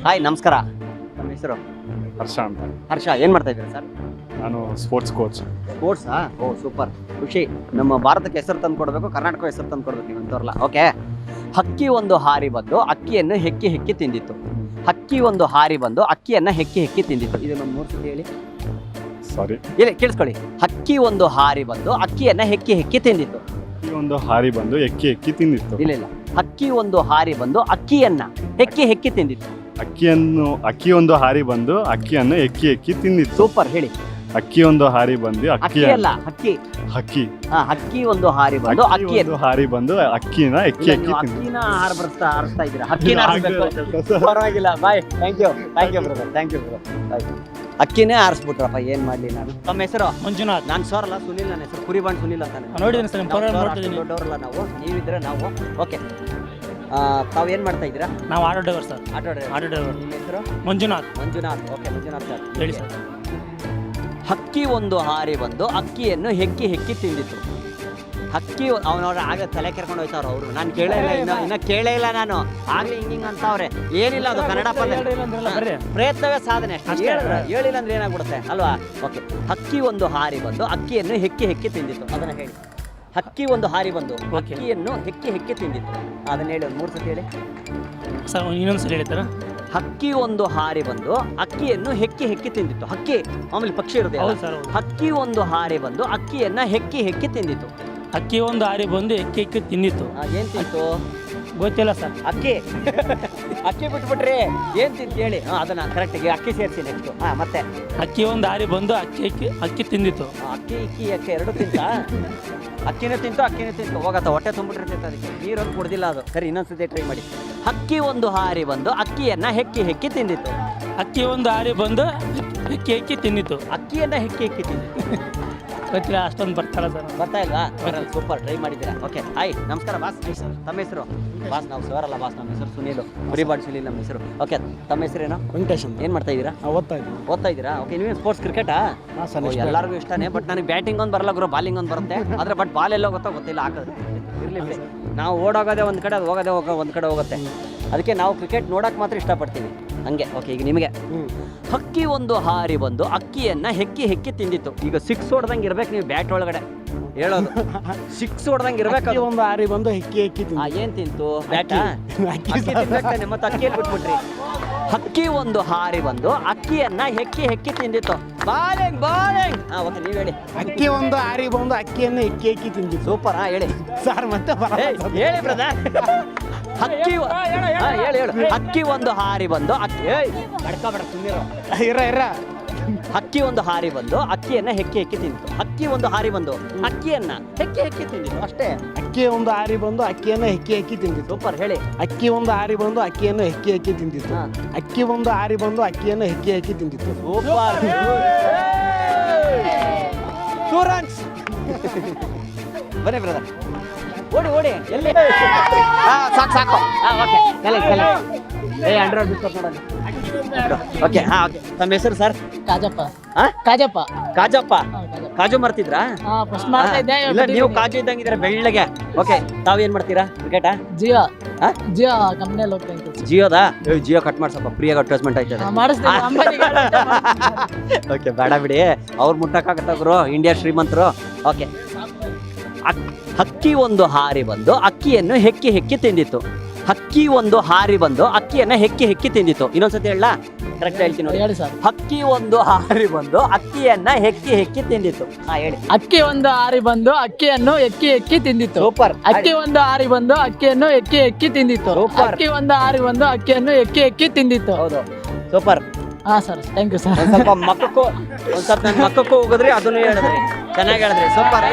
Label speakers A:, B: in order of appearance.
A: Hi ನಮಸ್ಕಾರ. ನಮ್ಮ ಹೆಸರು
B: ಹರ್ಷ ಅಂತ.
A: ಹರ್ಷ. ಏನು ಮಾಡ್ತಾ ಇದ್ದೀರಾ ಸರ್?
B: ನಾನು ಸ್ಪೋರ್ಟ್ಸ್ ಕೋಚ್.
A: ಸ್ಪೋರ್ಟ್ಸಾ? ಓ ಸೂಪರ್, ಖುಷಿ. ನಮ್ಮ ಭಾರತಕ್ಕೆ ಹೆಸರು ತಂದು ಕೊಡಬೇಕು, ಕರ್ನಾಟಕ ಹೆಸರು ತಂದು ಕೊಡ್ಬೇಕು ನೀವಂತವ್ರಲ್ಲ. ಓಕೆ. ಹಕ್ಕಿ ಒಂದು ಹಾರಿ ಬಂದು ಅಕ್ಕಿಯನ್ನು ಹೆಕ್ಕಿ ಹೆಕ್ಕಿ ತಿಂದಿತ್ತು. ಹಕ್ಕಿ ಒಂದು ಹಾರಿ ಬಂದು ಅಕ್ಕಿಯನ್ನು ಹೆಕ್ಕಿ ಹೆಕ್ಕಿ ತಿಂದಿತ್ತು. ಇದು ನಮ್ಮ 3 ಸತಿ ಹೇಳಿ.
B: ಸಾರಿ,
A: ಇಲ್ಲಿ ಕೇಳಿಸ್ಕೊಳ್ಳಿ. ಹಕ್ಕಿ ಒಂದು ಹಾರಿ ಬಂದು ಅಕ್ಕಿಯನ್ನು ಹೆಕ್ಕಿ ಹೆಕ್ಕಿ ತಿಂದಿತ್ತು.
B: ಹಕ್ಕಿ ಒಂದು ಹಾರಿ ಬಂದು ಎಕ್ಕಿ ಎಕ್ಕಿ ತಿಂದಿತ್ತು.
A: ಇಲ್ಲ, ಹಕ್ಕಿ ಒಂದು ಹಾರಿ ಬಂದು ಅಕ್ಕಿಯನ್ನ ಹೆಕ್ಕಿ ಹೆಕ್ಕಿ ತಿಂದಿತ್ತು.
B: ಅಕ್ಕಿ ಒಂದು ಹಾರಿ ಬಂದು ಅಕ್ಕಿಯನ್ನು ಎಕ್ಕಿ ಎಕ್ಕಿ ತಿಂದಿತ್ತು.
A: ಸೂಪರ್, ಹೇಳಿ.
B: ಅಕ್ಕಿ ಒಂದು ಹಾರಿ ಬಂದು
A: ಅಕ್ಕಿ ಅಲ್ಲ, ಹಕ್ಕಿ.
B: ಹಕ್ಕಿ
A: ಹಕ್ಕಿ ಒಂದು ಹಾರಿ ಬಂದು ಅಕ್ಕಿಯನ್ನು
B: ಹಾರಿ ಬಂದು ಅಕ್ಕಿನ ಎಕ್ಕಿ ಎಕ್ಕಿ ತಿಂದಿತ್ತು.
A: ಅಕ್ಕಿನ ಹಾರಿಸ್ತಾ ಇದ್ದೀರಾ? ಹಕ್ಕಿನ ಪರವಾಗಿಲ್ಲ. Bye. Thank you brother. Thank you brother. ಅಕ್ಕಿನೇ ಆರಿಸ್ಬಿಟ್ರಪ್ಪ, ಏನ್ ಮಾಡ್ಲಿ ನಾನು. ನಮ್ಮ ಹೆಸರು
C: ಮಂಜುನಾಥ್.
A: ನಾನು ಸರ್ ಅಲ್ಲ, ಸುನಿಲ್. ನನ್ನ ಹೆಸರು ಕುರಿಬಾಂಡ್ ಸುನಿಲ್ ಅಂತ.
C: ನೋಡಿದ್ದೀನಿ ಸರ್,
A: ದೊಡ್ಡವರಲ್ಲ ನಾವು, ನೀವಿದ್ರೆ ನಾವು. ಓಕೆ. ತಾವು ಏನ್ ಮಾಡ್ತಾ ಇದ್ದೀರಾ?
C: ನಾವು auto driver sir.
A: Auto driver. ನಿಮ್ಮ ಹೆಸರು?
C: ಮಂಜುನಾಥ್.
A: ಓಕೆ, ಮಂಜುನಾಥ್ ಸರ್,
C: ಹೇಳಿ ಸರ್.
A: ಹಕ್ಕಿ ಒಂದು ಹಾರಿ ಬಂದು ಅಕ್ಕಿಯನ್ನು ಹೆಕ್ಕಿ ಹೆಕ್ಕಿ ತಿಂದಿತ್ತು. ಹಕ್ಕಿ ಅವನವ್ರ ಆಗ ತಲೆ ಕೆರ್ಕೊಂಡು ಹೋಯ್ತಾವ್ರು ಅವರು. ನಾನು ಕೇಳೇ ಇಲ್ಲ, ಇನ್ನ ಕೇಳೇ ಇಲ್ಲ ನಾನು. ಆಗ್ಲಿ ಹಿಂಗಿಂಗ್ ಅಂತವ್ರೆ. ಏನಿಲ್ಲ, ಅದು ಕನ್ನಡ ಪದ. ಪ್ರಯತ್ನವೇ ಸಾಧನೆ. ಹೇಳಿಲ್ಲ ಅಂದ್ರೆ ಏನಾಗ್ಬಿಡುತ್ತೆ ಅಲ್ವಾ? ಓಕೆ. ಹಕ್ಕಿ ಒಂದು ಹಾರಿ ಬಂದು ಅಕ್ಕಿಯನ್ನು ಹೆಕ್ಕಿ ಹೆಕ್ಕಿ ತಿಂದಿತ್ತು. ಅದನ್ನ ಹೇಳಿ. ಹಕ್ಕಿ ಒಂದು ಹಾರಿ ಬಂದು ಅಕ್ಕಿಯನ್ನು ಹೆಕ್ಕಿ ಹೆಕ್ಕಿ ತಿಂದಿತ್ತು. ಅದನ್ನ ಹೇಳಿ, ಒಂದು 3 ಸತಿ ಹೇಳಿ
C: ಸರ್. ಇನ್ನೊಂದು ಸಲ ಹೇಳ್ತಾರ.
A: ಹಕ್ಕಿ ಒಂದು ಹಾರಿ ಬಂದು ಅಕ್ಕಿಯನ್ನು ಹೆಕ್ಕಿ ಹೆಕ್ಕಿ ತಿಂದಿತ್ತು. ಹಕ್ಕಿ ಆಮೇಲೆ ಪಕ್ಷಿ ಇರುತ್ತೆ. ಹಕ್ಕಿ ಒಂದು ಹಾರಿ ಬಂದು ಅಕ್ಕಿಯನ್ನ ಹೆಕ್ಕಿ ಹೆಕ್ಕಿ ತಿಂದಿತ್ತು.
C: ಅಕ್ಕಿ ಒಂದು ಹಾರಿ ಬಂದು ಎಕ್ಕಿ ಎಕ್ಕಿ ತಿಂದಿತ್ತು.
A: ಏನ್ ತಿಂತು
C: ಗೊತ್ತಿಲ್ಲ ಸರ್.
A: ಅಕ್ಕಿ ಬಿಟ್ಬಿಟ್ರಿ, ಏನ್ ತಿಂತು ಹೇಳಿ. ಅದನ್ನ ಕರೆಕ್ಟ್ ಅಕ್ಕಿ ಸೇರಿಸಿ. ನೆಕ್ಸ್ಟ್ ಮತ್ತೆ
C: ಅಕ್ಕಿ ಒಂದು ಹಾರಿ ಬಂದು ಅಕ್ಕಿ ತಿಂದಿತ್ತು.
A: ಅಕ್ಕಿ ಎರಡು ತಿಂತ. ಅಕ್ಕಿನೂ ತಿಂತು ಹೋಗತ್ತ. ಹೊಟ್ಟೆ ತುಂಬಿಟ್ಟಿರ್ತೈತೆ, ಅದಕ್ಕೆ ನೀರೊಂದು ಕುಡ್ದಿಲ್ಲ ಅದು. ಸರಿ, ಇನ್ನೊಂದ್ಸತಿ ಟ್ರೈ ಮಾಡಿ. ಹಕ್ಕಿ ಒಂದು ಹಾರಿ ಬಂದು ಅಕ್ಕಿಯನ್ನ ಹೆಕ್ಕಿ ಹೆಕ್ಕಿ ತಿಂದಿತ್ತು.
C: ಅಕ್ಕಿ ಒಂದು ಹಾರಿ ಬಂದು ಎಕ್ಕಿ ಎಕ್ಕಿ ತಿಂದಿತ್ತು.
A: ಅಕ್ಕಿಯನ್ನ ಹೆಕ್ಕಿ ಹೆಕ್ಕಿ ತಿಂದಿತ್ತು.
C: ಗೊತ್ತಿಲ್ಲ, ಅಷ್ಟೊಂದು ಬರ್ತಾರ ಸರ್.
A: ಬರ್ತಾ ಇಲ್ವಾ? ಸೂಪರ್, ಟ್ರೈ ಮಾಡಿದ್ದೀರಾ. ಓಕೆ. ಹಾಯ್ ನಮಸ್ಕಾರ ಬಾಸ್. ತಮ್ಮ ಹೆಸರು? ಬಾಸ್ ನಾವು ಸರ್ ಅಲ್ಲ ಬಾಸ್. ನಮ್ಮ ಹೆಸರು ಸುನೀಲು. ಕುರಿಬಾಡ್ ಸುನೀಲ್ ನಮ್ಮ ಹೆಸರು. ಓಕೆ. ತಮ್ಮ ಹೆಸರೇನು?
C: ವೆಂಕಟೇಶ್.
A: ಏನು ಮಾಡ್ತಾ ಇದ್ದೀರಾ? ಓದ್ತಾ ಇದ್ದೀರಾ? ಓಕೆ. ನೀವೇ ಸ್ಪೋರ್ಟ್ಸ್ ಕ್ರಿಕೆಟಾ? ಎಲ್ಲರಿಗೂ ಇಷ್ಟನೇ. ಬಟ್ ನನಗೆ ಬ್ಯಾಟಿಂಗ್ ಒಂದು ಬರಲ್ಲ ಗುರು, ಬಾಲಿಂಗ್ ಒಂದು ಬರುತ್ತೆ. ಆದರೆ ಬಟ್ ಬಾಲ್ ಎಲ್ಲೋ ಗೊತ್ತಿಲ್ಲ ಹಾಕೋದು. ಇರಲಿ, ನಾವು ಓಡೋಗೋದೇ ಒಂದು ಕಡೆ, ಅದು ಹೋಗೋದೇ ಒಂದು ಕಡೆ ಹೋಗುತ್ತೆ. ಅದಕ್ಕೆ ನಾವು ಕ್ರಿಕೆಟ್ ನೋಡೋಕೆ ಮಾತ್ರ ಇಷ್ಟಪಡ್ತೀವಿ ಹಂಗೆ. ಓಕೆ. ಈಗ ನಿಮಗೆ. ಹಕ್ಕಿ ಒಂದು ಹಾರಿ ಬಂದು ಅಕ್ಕಿಯನ್ನ ಹೆಕ್ಕಿ ಹೆಕ್ಕಿ ತಿಂದಿತ್ತು. ಈಗ 6 ಹೊಡೆದಂಗೆ ಇರ್ಬೇಕು ನೀವು ಬ್ಯಾಟ್ ಒಳಗಡೆ ಹೇಳೋದು. 6 ಹೊಡೆದಂಗೆ ಇರ್ಬೇಕು.
C: ಒಂದು ಹಾರಿ ಬಂದು ಎಕ್ಕಿ ಎಕ್ಕಿ
A: ಏನ್ ತಿಂತು? ಬ್ಯಾಟ. ಮತ್ತೆ ಅಕ್ಕಿಯಲ್ಲಿ ಬಿಟ್ಬಿಟ್ರಿ. ಹಕ್ಕಿ ಒಂದು ಹಾರಿ ಬಂದು ಅಕ್ಕಿಯನ್ನ ಹೆಕ್ಕಿ ಹೆಕ್ಕಿ ತಿಂದಿತ್ತು. ಬಾಲಿಂಗ್. ಓಕೆ, ನೀವ್ ಹೇಳಿ.
C: ಅಕ್ಕಿ ಒಂದು ಹಾರಿ ಬಂದು ಅಕ್ಕಿಯನ್ನು ಎಕ್ಕಿ ಎಕ್ಕಿ ತಿಂದಿತ್ತು.
A: ಸೂಪರ್. ಹೇಳಿ
C: ಸರ್. ಮತ್ತೆ
A: ಹೇಳಿ ಬ್ರದರ್. ಹಕ್ಕಿ ಹಕ್ಕಿ ಒಂದು ಹಾರಿ ಬಂದು ಹಕ್ಕಿ ಒಂದು ಹಾರಿ ಬಂದು ಅಕ್ಕಿಯನ್ನ ಹೆಕ್ಕಿ ಹೆಕ್ಕಿ ತಿಂದಿತ್ತು. ಹಕ್ಕಿ ಒಂದು ಹಾರಿ ಬಂದು ಅಕ್ಕಿಯನ್ನ ಹೆಕ್ಕಿ ಹೆಕ್ಕಿ ತಿಂದಿತ್ತು ಅಷ್ಟೇ.
C: ಅಕ್ಕಿ ಒಂದು ಹಾರಿ ಬಂದು ಅಕ್ಕಿಯನ್ನು ಹೆಕ್ಕಿ ಹೆಕ್ಕಿ ತಿಂದಿತ್ತು.
A: ಸೂಪರ್, ಹೇಳಿ.
C: ಅಕ್ಕಿ ಒಂದು ಹಾರಿ ಬಂದು ಅಕ್ಕಿಯನ್ನು ಹೆಕ್ಕಿ ಹೆಕ್ಕಿ ತಿಂದಿತ್ತು. ಅಕ್ಕಿ ಒಂದು ಹಾರಿ ಬಂದು ಅಕ್ಕಿಯನ್ನು ಹೆಕ್ಕಿ ಹೆಕ್ಕಿ ತಿಂದಿತ್ತು.
A: ಸೂಪರ್. ಬನ್ನಿ ಬ್ರದರ್, ಓಡಿ ಎಲ್ಲಿ? ಸಾಕು. ಓಕೆ. ಅಂಡ್ರಾಯ್ಡ್ ಬಿಸ್ಕಟ್ ನೋಡೋಣ. ಓಕೆ. ಓಕೆ. ತಮ್ಮ ಹೆಸರು ಸರ್? ಕಾಜಪ್ಪ. ಕಾಜು ಮಾಡ್ತಿದ್ರಾ? ಇಲ್ಲ, ನೀವು ಕಾಜು ಇದ್ದಂಗಿದ್ರೆ ಬೆಳ್ಳಗೆ. ಓಕೆ. ತಾವೇನ್ ಮಾಡ್ತೀರಾ? ಕ್ರಿಕೆಟಾ?
D: ಜಿಯೋ ಕಂಪ್ನಿಯಲ್ಲಿ ಹೋಗ್ತೀನಿ.
A: ಜಿಯೋದಾ? ಜಿಯೋ ಕಟ್ ಮಾಡ್ಸಪ್ಪ, ಫ್ರೀಯಾಗಿ ಅಡ್ವರ್ಟೈಸ್ಮೆಂಟ್ ಆಯ್ತದೆ. ಓಕೆ, ಬೇಡ ಬಿಡಿ, ಅವ್ರು ಮುಟ್ಟಕ್ಕಾಗತ್ತ ಗುರು, ಇಂಡಿಯಾ ಶ್ರೀಮಂತರು. ಓಕೆ. ಹಕ್ಕಿ ಒಂದು ಹಾರಿ ಬಂದು ಅಕ್ಕಿಯನ್ನು ಹೆಕ್ಕಿ ಹೆಕ್ಕಿ ತಿಂದಿತ್ತು. ಹಕ್ಕಿ ಒಂದು ಹಾರಿ ಬಂದು ಅಕ್ಕಿಯನ್ನ ಹೆಕ್ಕಿ ಹೆಕ್ಕಿ ತಿಂದಿತ್ತು. ಇನ್ನೊಂದ್ಸತಿ ಹೇಳ, ಕರೆಕ್ಟ್ ಹೇಳ್ತೀನಿ ನೋಡಿ.
D: ಹೇಳಿ ಸರ್.
A: ಹಕ್ಕಿ ಒಂದು ಹಾರಿ ಬಂದು ಅಕ್ಕಿಯನ್ನ ಹೆಕ್ಕಿ ಹೆಕ್ಕಿ ತಿಂದಿತ್ತು. ಹೇಳಿ.
D: ಅಕ್ಕಿ ಒಂದು ಹಾರಿ ಬಂದು ಅಕ್ಕಿಯನ್ನು ಎಕ್ಕಿ ಎಕ್ಕಿ ತಿಂದಿತ್ತು.
A: ಸೂಪರ್.
D: ಅಕ್ಕಿ ಒಂದು ಹಾರಿ ಬಂದು ಅಕ್ಕಿಯನ್ನು ಎಕ್ಕಿ ಎಕ್ಕಿ ತಿಂದಿತ್ತು. ಅಕ್ಕಿ ಒಂದು ಹಾರಿ ಬಂದು ಅಕ್ಕಿಯನ್ನು ಎಕ್ಕಿ ಎಕ್ಕಿ ತಿಂದಿತ್ತು.
A: ಹೌದು, super.
D: Sir, thank you sir.
A: ಒಂದ್ ಸ್ವಲ್ಪ ನನ್ನ ಮಕ್ಕಕ್ಕೂ ಹೋಗಿದ್ರಿ, ಅದನ್ನು ಹೇಳಿದ್ರಿ, ಚೆನ್ನಾಗಿ ಹೇಳಿದ್ರಿ. ಸೂಪರ್.